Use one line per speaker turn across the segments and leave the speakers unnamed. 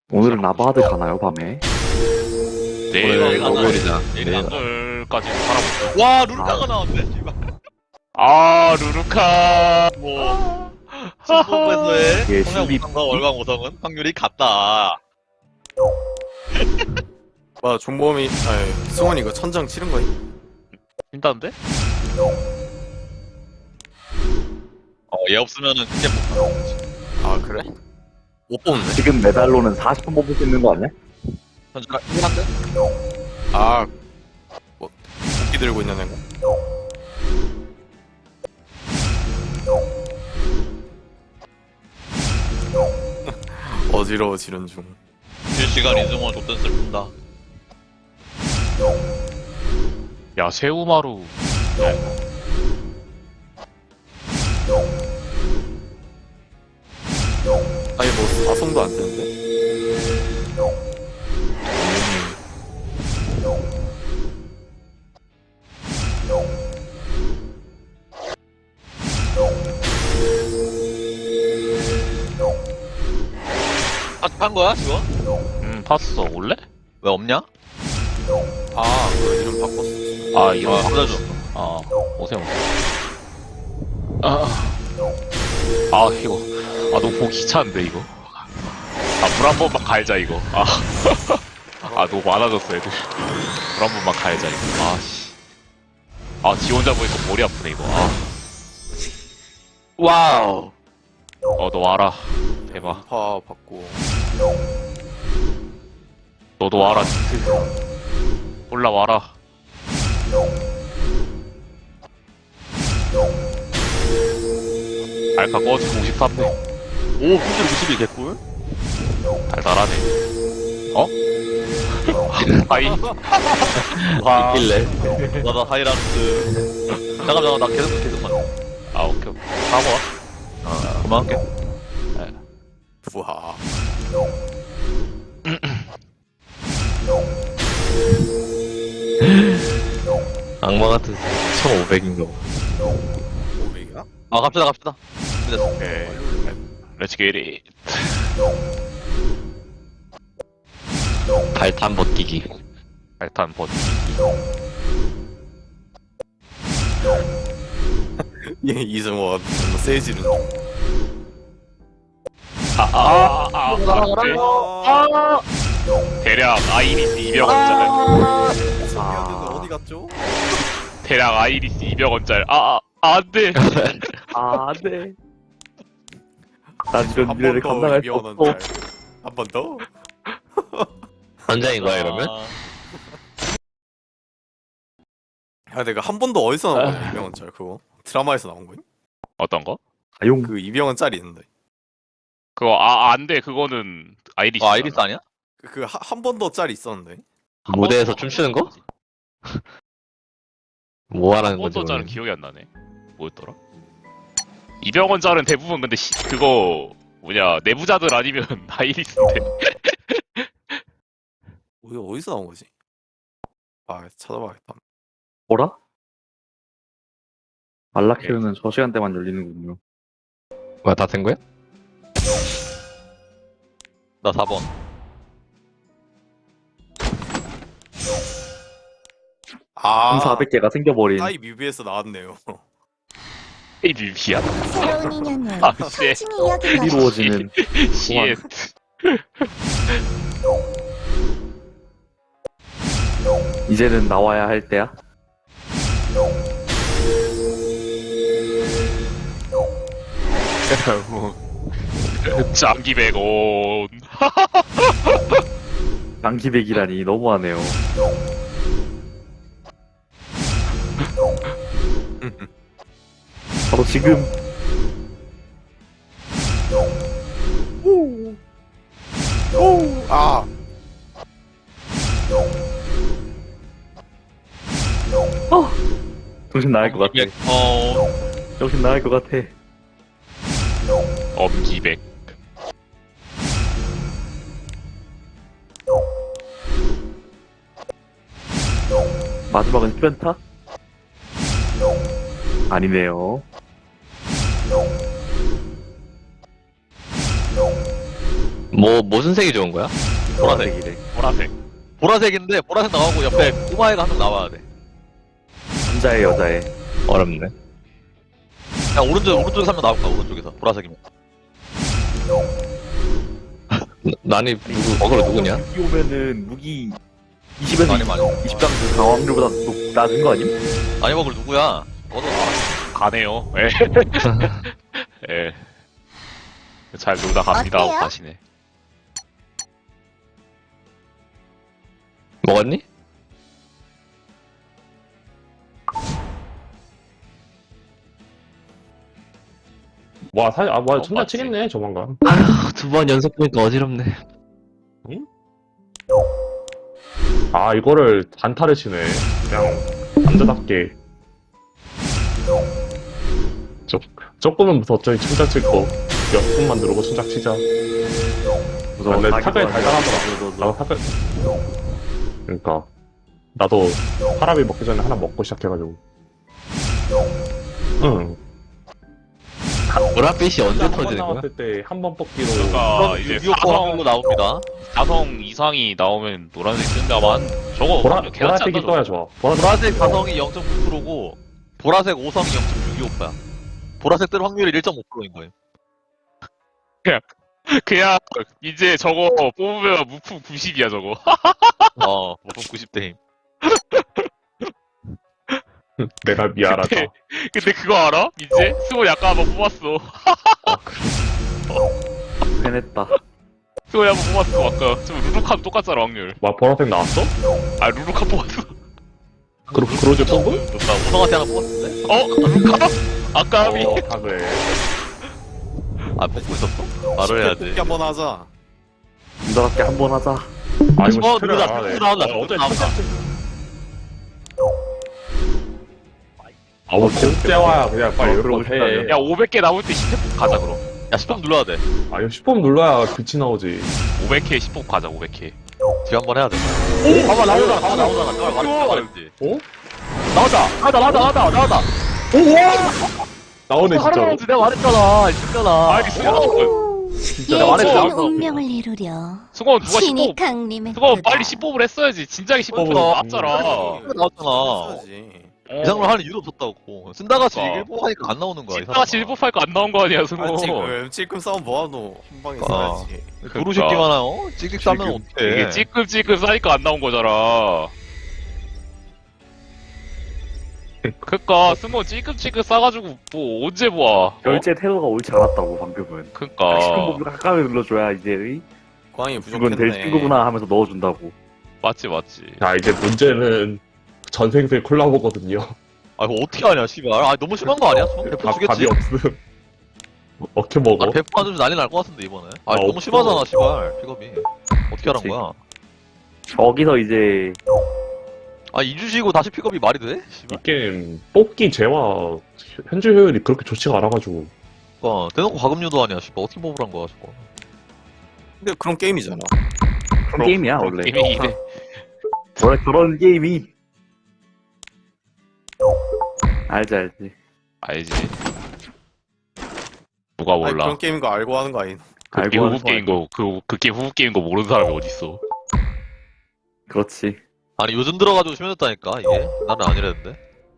오늘은 나바하드 가나요, 밤에?
내일
오늘 목요일이다.
내일 안절까지 살아보자.
와 루루카가 나왔네. 씨발.
아 루루카
뭐 신부부에서의
예,
성형
신비-
우성과 월광 우성은 확률이 같다.
와 종범이 아니 승원이 이거 천장 치른 거니?
힘다는데?
얘 없으면은 그때 못 가는 거지.
아 그래? 못 뽑네.
지금 메달로는 40분 뽑을 수 있는 거 아니야?
현재가 1한데?
아 뭐, 도끼 들고 있는 애가. 어지러워지는 중.
실시간 이승원 줬던 슬픈다.
야 새우마루.
아니 뭐 사성도 안 되는데?
아한 거야 지금?
봤어 올래?
왜 없냐?
아그 이름 바꿨어.
아 이런 거
불러줘.
아 오세요. 아 이거 아 너무 보기 귀찮은데 이거. 아 물 한 번만 갈자 이거. 아 너무 많아졌어 애들. 물 한 번만 갈자 이거. 아씨. 지 혼자 보니까 머리 아프네 이거.
와우.
너 와라. 대박.
파 받고.
너도 와라. 올라와라. 알카 꺼지고 53네.
오 현재 51 개꿀?
달달하네. 어? 하이.
와.
있길래.
나다 하이라이트. 잠깐만 나 계속 만.
오케이. 사고 와.
그만할게.
부하.
악마 같은 1500인가 봐.
500이야?
갑시다.
오케이. Let's get it.
발탄 버티기.
발탄 버티.
얘 이승원 정말 세지는 중.
안돼. 대략 아이리스 200원짜리.
승원이는 어디 갔죠?
대략 아이리스 200원짜리. 안돼.
네. 난 이런 미래를 감당할 수 없어.
한 번 더?
현장인 거야 이러면?
야 내가 한 번도 어디서 나온 거야 200원짜리 그거? 드라마에서 나온 거야?
어떤 거?
용.
그 200원짜리 있는데
그거 안돼. 그거는 아이리스.
아이리스 아니야?
그 한 번 더 짤이 있었는데
무대에서 춤추는 거? 뭐 하라는 거지?
한번더 짜는
오늘?
기억이 안 나네. 뭐였더라? 200원짜리는 대부분 근데 그거 뭐냐 내부자들 아니면 아이리스인데.
어디서 나온 거지? 아 찾아봐야겠다.
뭐라? 말라케르는 저 시간대만 열리는군요.
뭐야 다 된 거야?
나 4번.
아
1400개가 생겨버린.
사이 뮤비에서 나왔네요.
이 뮤비야.
새로운 인연은
씨.
친히 이야기가
이루어지는.
씨.
이제는 나와야 할 때야?
장기 100원.
장기백이라니 너무하네요. 바로 지금.
아
정신 나갈 것 같아. 정신 나갈 것 같아.
엄기백.
마지막은 슈엔타? 아니네요.
무슨 색이 좋은 거야?
보라색이래.
보라색.
보라색인데 보라색 나오고 옆에 꼬마애가 한 명 나와야 돼.
남자애 여자애.
어렵네.
야 오른쪽에서 한 명 나올 거야. 오른쪽에서 보라색이면.
난이 누구 어그로 누구냐?
이 오면은 무기 20에서
많이 많이.
20당 강화률보다 낮은 거 아님?
아니 먹을 누구야? 너도
가네요. 예. 예. 잘 놀다 갑니다 하고
어때요?
가시네.
먹었니?
와, 사실, 와, 천장
맞지.
치겠네, 조만간.
2번 연속 보니까 어지럽네.
아, 이거를 단타를 치네. 그냥, 남자답게. 조금은 어쩌니 천장 칠거 몇 분만 누르고 천장 치자.
무서워.
근데
사기도
타격이
아니야.
달달하더라. 나도 타격. 그러니까. 나도 사람이 먹기 전에 하나 먹고 시작해가지고. 응.
보랏빛이 언제
한번
터지는 거야?
나왔을 때 한 번 뽑기로.
그러니까 이제
유효 확률로 나옵니다.
4성 이상이 나오면 노란색 뜬다만 저거 개같지
보라색이
않나
떠야
저거?
좋아.
보라색 4성이 0.9%고 보라색 5성이 0.625%야. 보라색 뜰 확률이 1.5%인 거예요.
그냥 이제 저거 뽑으면 무품 90이야 저거.
무슨 90대임.
내가 미안하다.
근데 그거 알아? 이제 스모 약간 한번 뽑았어.
해냈다.
스모 한번 뽑았어 아까. 저 루루칸 똑같잖아 확률.
와, 보라색 나왔어?
아 루루칸 뽑았어.
그로즈 뽑은?
나 우성한테 하나 뽑았는데?
루루칸? 아까비.
다 그래.
아 뽑고 있었어? 말을 해야 돼.
뽑기 한번 하자.
남자답게 한 번 하자.
아, 이거 스펠을
누르다,
안 하네.
누르다,
어제
누르다.
아우, 진짜와야 그냥 빨리 열을 해.
야 500개 남을 때 10회 가자 그럼.
야 10번 눌러야 돼.
아, 이거 10번 눌러야 빛이 나오지.
500회 10호 가자 500회.
뒤 한번 해야 돼. 봐봐 나오잖아. 내가 말했지.
어?
나오다.
나오네, 진짜로.
내가 말했잖아. 진짜나.
아니 승원
내가 말했지.
예지의
나왔어.
운명을 이루려
승원 누가
신이
10호
강림했다.
승원 빨리 10호를 했어야지. 진작에 10호 나왔잖아.
나왔잖아.
써야지.
이상으로 하는 이유도 없었다고. 쓴다같이
어.
일보 하니까 안 나오는 거야. 이
진짜
사람아.
7호 팔거 안 나온 거 아니야
아,
승원.
찔끔 싸움 뭐하노. 한 방에
아.
써야지.
도루 새끼만 하요? 찍찍 싸면
이게
어떡해.
찌끔찌끔 싸니까 안 나온 거잖아. 그니까 승원 찌끔찌끔 싸가지고 뭐 언제 보아.
결제 태도가 옳지 않았다고 방금은.
그니까
시간법을 가까이 눌러줘야 이제
광이
이건 될
부족했네.
친구구나 하면서 넣어준다고.
맞지.
자, 이제 문제는 전생생 콜라보거든요.
아 이거 어떻게 하냐 씨발. 아 너무 심한 거 아니야? 배포
답이
주겠지?
없음. 어떻게 먹어?
아 배포 안 주면 난리 날 것 같은데 이번에. 아
아,
너무
없어.
심하잖아 씨발. 픽업이. 어떻게 하란
그치.
거야?
저기서 이제
아 2주 쉬고 다시 픽업이 말이 돼?
이
씨발.
게임 뽑기 재화 현질 효율이 그렇게 좋지가 않아가지고.
대놓고 과금류도 아니야 씨발. 어떻게 뽑으란 거야 저거.
근데 그런 게임이잖아.
그런 게임이야 원래.
게임이 이래.
원래 그런 게임이. 알지.
알지. 누가
아니,
몰라.
그런 게임인 거 알고 하는 거 아닌.
그게
알고 하는
후보 게임 거, 그게 후보 게임 거 모르는 사람이 어딨어.
그렇지.
아니 요즘 들어가지고 심해졌다니까 이게. 나는 아니랬는데.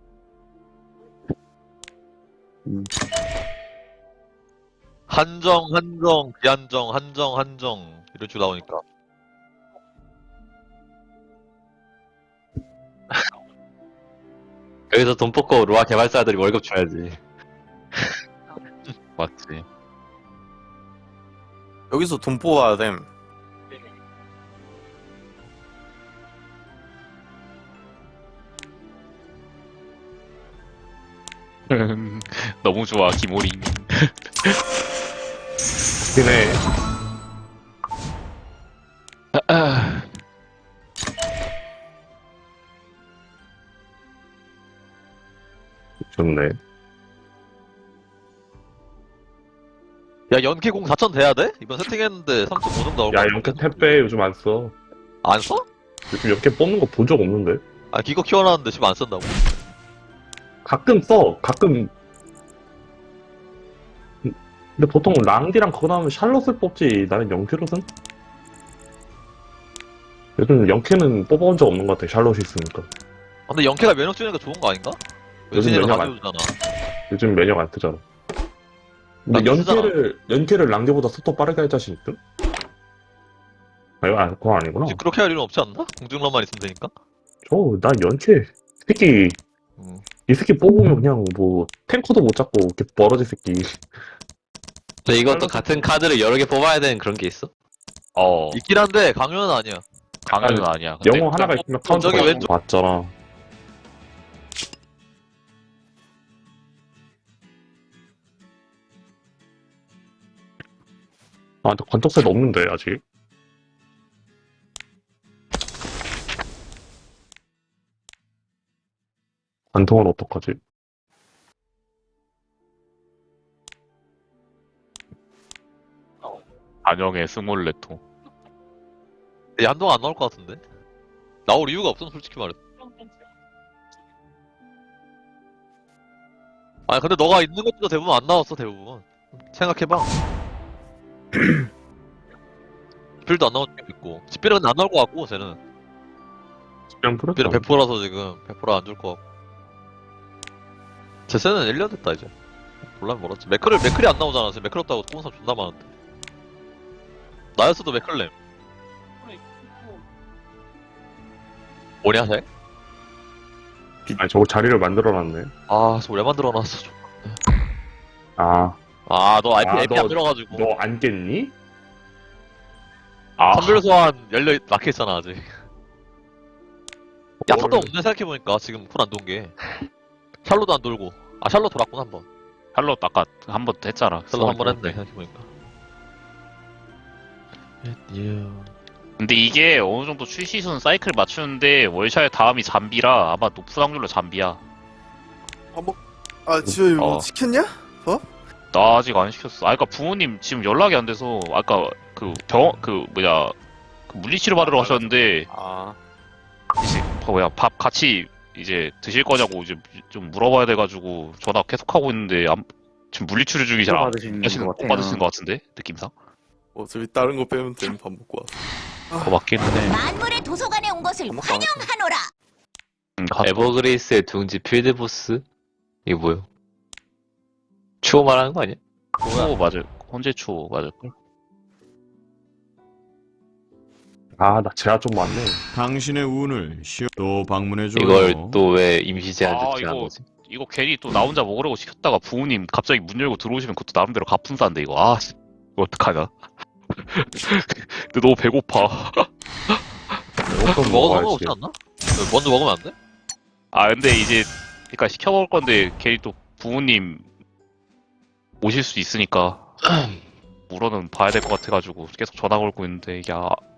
한정, 비한정, 한정 이런 식으로 나오니까.
여기서 돈 뽑고 로아 개발사들이 월급 줘야지.
맞지.
여기서 돈 뽑아야 됨.
너무 좋아, 김오린.
그네. 좋네.
야 연계공 4,000 돼야 돼? 이번 세팅했는데 3.5 정도 나올
야,
거야.
연캐 택배 요즘 안 써.
안 써?
요즘 연캐 뽑는 거 본 적 없는데?
아 기껏 키워놨는데 지금 안 쓴다고? 가끔
가끔 써. 가끔 근데 보통 랑디랑 그거 나오면 샬롯을 뽑지. 나는 영캐롯은? 요즘 영캐는 뽑아본 적 없는 것 같아. 샬롯이 있으니까.
근데 영캐가 면역 주니까 좋은 거 아닌가?
요즘
외신이랑
면역 안-
가져오잖아.
요즘 메뉴가 안 뜨잖아. 근데
랑디 쓰잖아.
연캐를 랑디보다 속도 빠르게 할 자신 있음? 아, 이거 그건 아니구나.
굳이 그렇게 할 일은 없지 않나? 공중란만 있으면 되니까.
난 연캐. 새끼, 이 새끼 뽑으면 그냥 뭐, 탱커도 못 잡고, 이렇게 벌어질 새끼.
근데 이것도 같은 카드를 여러 개 뽑아야 되는 그런 게 있어?
있긴 한데 강요는 아니야.
강요는 아니야. 근데
영어 하나가 있으면 카운터가
저기 왼쪽-
맞잖아. 근데 관통세도 없는데, 아직. 관통은 어떡하지?
안영의 스몰레토.
근데 한동안 안 나올 것 같은데? 나올 이유가 없어 솔직히 말해. 아니 근데 너가 있는 것도 대부분 안 나왔어 대부분. 생각해봐. 집필도 안 나올 게 있고 집필은 안 나올 것 같고 쟤는
그냥
집필은
그랬다.
100%라서 지금 100% 안 줄 것 같고 제세는 1년 됐다 이제 몰라면 멀었지 맥클이 안 나오잖아 지금 맥클 없다고 꼬은 사람 존나 많은데 나였어도 맥클렘 뭐냐 쟤?
아니, 저거 자리를 만들어놨네.
아 저거 왜 만들어놨어 저거
아,
아너 IP
너-
안 들어가지고
너 안 깼니?
선별 소환 막혀있잖아 아직 야타도 없네 생각해보니까 지금 쿨 안 돈 게 샬롯도 안 돌고 샬롯 돌았구나 한번
샬롯 아까 한 번 했잖아.
샬롯 한 번 했네 생각해보니까
근데 이게 어느 정도 출시순 사이클 맞추는데 월샤의 다음이 잠비라 아마 높은 확률로 잠비야.
지효 이거
어.
시켰냐?
나 아직 안 시켰어. 그러니까 부모님 지금 연락이 안 돼서 아까 그 물리치료 받으러 가셨는데 이제 밥 같이 이제 드실 거냐고 이제 좀 물어봐야 돼가지고 전화 계속 하고 있는데 지금 물리치료 중이 잘 안
받으시는
하시는
것
못
같아요.
받으시는 것 같은데 느낌상.
어차피 다른 거 빼면 되면 밥 먹고 왔어.
맞긴 해.
만물의 도서관에 온 것을 환영하노라.
에버그레이스의 둥지 필드보스? 이게 뭐야? 추워 말하는 거 아니야?
추호 맞을. 헌재 추호 맞을걸?
나 제가 좀 많네.
당신의 운을 또 방문해줘요.
이걸 또 왜 임시 제한
아,
조치한
이거-
거지?
이거 괜히 또 나 혼자 먹으려고 시켰다가 부모님 갑자기 문 열고 들어오시면 그것도 나름대로 갑분싸인데 이거 씨, 이거 어떡하냐. 근데 너무 배고파.
조금
먹어서
먹어야지.
상관없지 않나? 먼저 먹으면 안 돼?
근데 이제 그러니까 시켜 먹을 건데 괜히 또 부모님 오실 수 있으니까 물어는 봐야 될 것 같아가지고 계속 전화 걸고 있는데 이게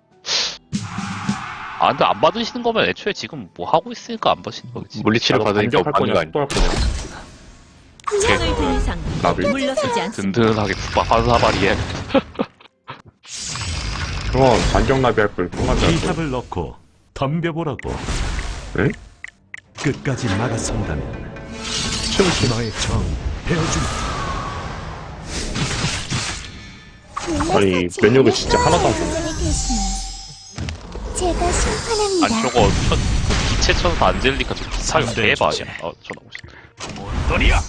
근데 안 받으시는 거면 애초에 지금 뭐 하고 있으니까 안 받으시는 거겠지.
물리치료 받으니까
반격할
받는 거
거냐,
아니야?
속도할 거냐.
흥정을 든 이상
나비.
물러서지 않습니다.
든든하게 국밥 한 사발이에.
그럼 반격나비 할 걸, 통나비 할 걸.
기합을 넣고 덤벼보라고.
에?
끝까지 나가선다면
춤추.
너의 정 베어주마.
아니, 메뉴가 진짜 하나도 안 좋네.
제가 심판합니다.
아니 저거 기체 천사 안젤리카 저 비슷하게 대박 아니야. 전화 오셨다.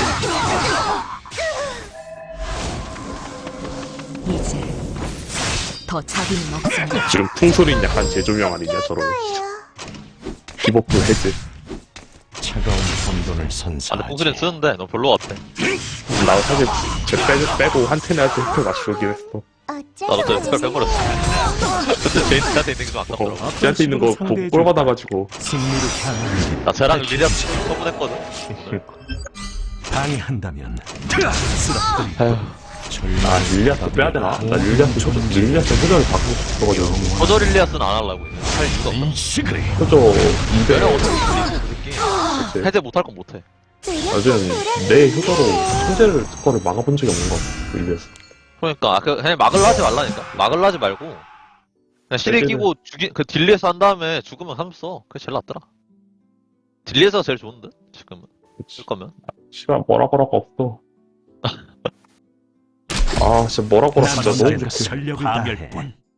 이제 더 자비는 없습니다.
지금 풍소리는 약간 재조명 아니냐, 저런. 기복부 해제.
차가운 혼돈을 선사.
근데 봉수리는 쓰는데 너 별로 같아
나 사실 제 빼고 한 텐에 할때 흡혈 맞추긴 했어.
나도 또 espel 빼버렸어 근데 제인한테 있는 게 좀 아깝더라고
쟤한테 있는 거 보고 꼴 받아가지고.
승리를 향하는
나 쟤랑 리리아 처분했거든
방해한다면
아휴,
릴리아스 빼야 되나? 나 릴리아스 효정을 바꾸고 싶어가지고.
거저 릴리아스는 안 하려고 이제 할 이유가 없다
인식을
효정
왜냐면
200.
어차피 그 새끼 해제 못할 건 못해
요즘 내 효자로 특허를 막아본 적이 없는 것 같아, 릴리아스.
그러니까 그냥 막을 하지 말라니까 막을 하지 말고 그냥 실에
딜리에서-
끼고 그 딜리에서 한 다음에 죽으면 삼써 그게 제일 낫더라 딜리에서 제일 좋은데 지금은
그치.
쓸 거면
시간 뭐라고 없어. 아 진짜 뭐라고라 진짜 너무
남자의
좋게.
전력을 다해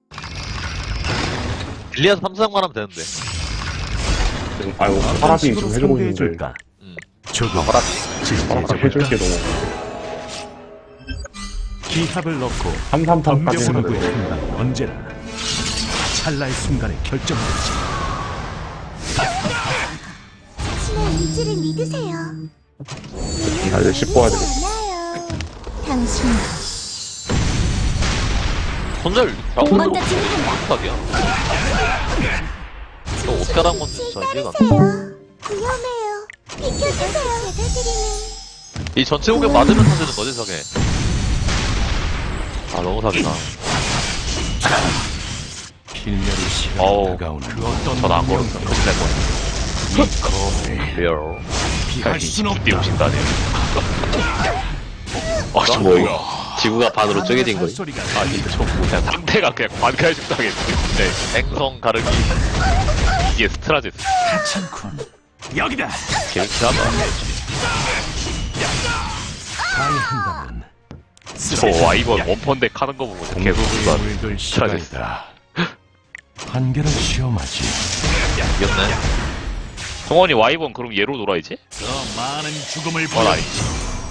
빌리아서 3사장만 하면 되는데.
아이고 파라비 지금 해주고 있는데.
상대해줄까? 조금
파라비.
파라비 해줄 게 너무.
기합을 넣고
333까지
덤벼보는
했는데.
순간 언제나 찰나의 순간에 결정되지.
자신의 의지를 믿으세요.
아 이제 씹고 와야 되겠다.
않아요. 당신
손절
먼저 진행한다.
탑이야. 너 어떻게 하란 건지 진짜 이해가 안 돼.
따르세요. 위험해요. 비켜주세요. 제가 드리는
이 전체 공격 맞으면 터지는 거지 저게. 아 너무 사기다.
필멸의 시간이
어우.
다가오는 그 어떤
전안 걸었어.
운명도
큰일 날 뻔.
이 검에
리얼.
피할 순
뒷뒤
없다.
오신다네. 아, 저
뭐,
뭐야.
지구가 반으로 쪼개진 거야.
소리가
아, 이거 저 뭐야. 상대가 그냥 반칼 죽당했네. 네.
앵성 가르기.
이게 스트라제스.
하찮군. 여기다.
개울키하다.
방해한다면
저 와이번 원펀덱 하는 거 보고 계속 순간
물들
스트라제스.
시간이다. 한계를 시험하지.
이겼네.
성원이 와이번 그럼 얘로 놀아야지?
더 많은 죽음을
그건 아니지.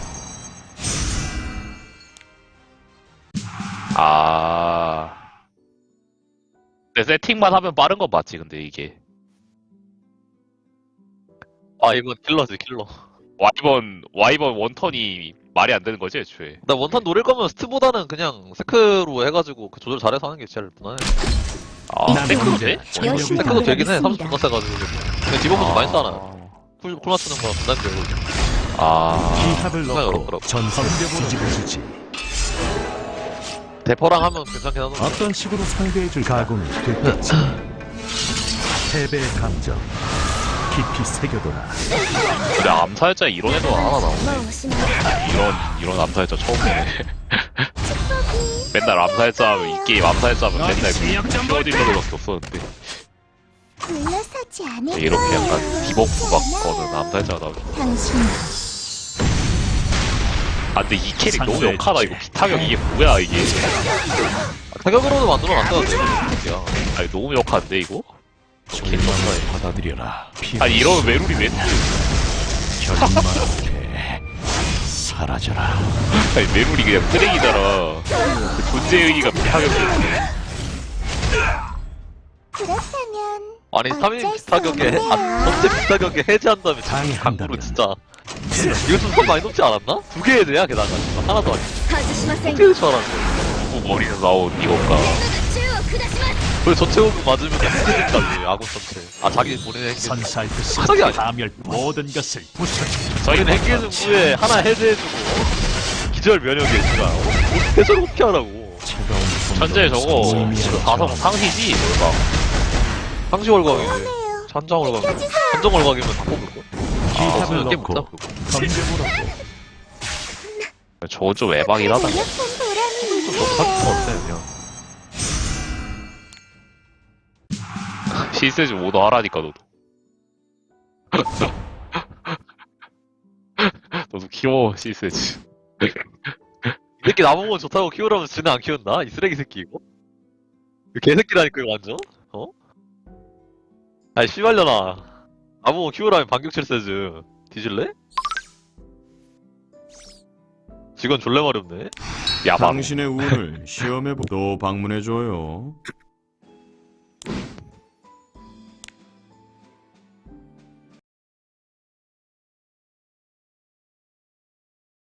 아. 근데 세팅만 하면 빠른 건 맞지, 근데 이게.
아 이건 킬러지 킬러.
와이번 원턴이 말이 안 되는 거지, 애초에.
나 원탄 노릴 거면 스트보다는 그냥 세크로 해가지고 그 조절 잘해서 하는 게 제일 무난해.
아,
난
세크도
언제나
돼?
전력을
열심히
세크도
다해.
되긴 해. 30분
있습니다.
더 세가지고. 근데 디버프도 많이 싸나. 쿨 맞추는 거 부담돼.
아.
기합을
생각이
넣고
어렵더라고.
전선을 뒤집어주지.
대퍼랑 하면 괜찮긴 하던데.
어떤 식으로 상대해줄 각오는 됐겠지. 패배의 감정 깊이 새겨둬라.
근데 암살자 이런 애도 하나 나오네.
무엇이나
이런 암살자 처음이네. 맨날 암살자 하면 이 게임 암살자 하면 맨날 그 퓨어딜러들밖에 없었는데
물러서지 않을
이렇게
거예요.
약간 디버프 막
그렇지
거는
않아요.
암살자가 나오네.
당신
아 근데 이 캐릭 너무 역하다. 이거 비타격 이게 뭐야 이게.
타격으로도 만들어놨어야 돼. 야.
아니 너무 역한데 이거?
절망을 받아들여라.
아니 이러면 메룰이 왜
결말 앞에 사라져라.
아니 메룰이 그냥 쓰레기잖아. 그 존재 의의가 비타격인데.
그렇다면
아니
어쩔
3인
수
비타격에
없네요.
전체 비타격에 해제한 다음에
방해한다면.
강구로 진짜 이거 좀 많이 높지 않았나? 두 개 해제야 게다가 진짜 하나도 아니야.
가즈시마센
어떻게 줄 알았는데.
누구 머리에서 나온 이건가.
왜 전체 호흡 맞으면 해제된다며 아군 전체. 아 자기 본인의 행기.
선사할 듯이
사기 아니야.
파멸 모든 것을 부셔주지.
본인 행기는 후에 하나 해제해주고 기절 면역이 해주라. 어떻게 저렇게 피하라고.
차가운
천재 저거
의미하는
가성
저항.
상시지 뭐가.
상시 월광이지. 찬장 월광이. 찬정 월광이면 다 뽑을걸.
기합을
게임
넣고
못잡고.
덤벼보라고.
저거 좀 에바긴 하다.
노력한 보람이
좀 너무 사기 것 같아 그냥.
실세지 오더 하라니까 너도. 너도 키워 실세지.
이 새끼 나보고 좋다고 키우라면 지는 안 키운다? 이 쓰레기 새끼 이거? 이거 개새끼라니까 이거 완전? 어? 아이 씨발려나. 나보고 키우라면 반격 7세즈 뒤질래? 직원 졸래 마렵네.
야바.
당신의 운을 시험해보 또 방문해줘요.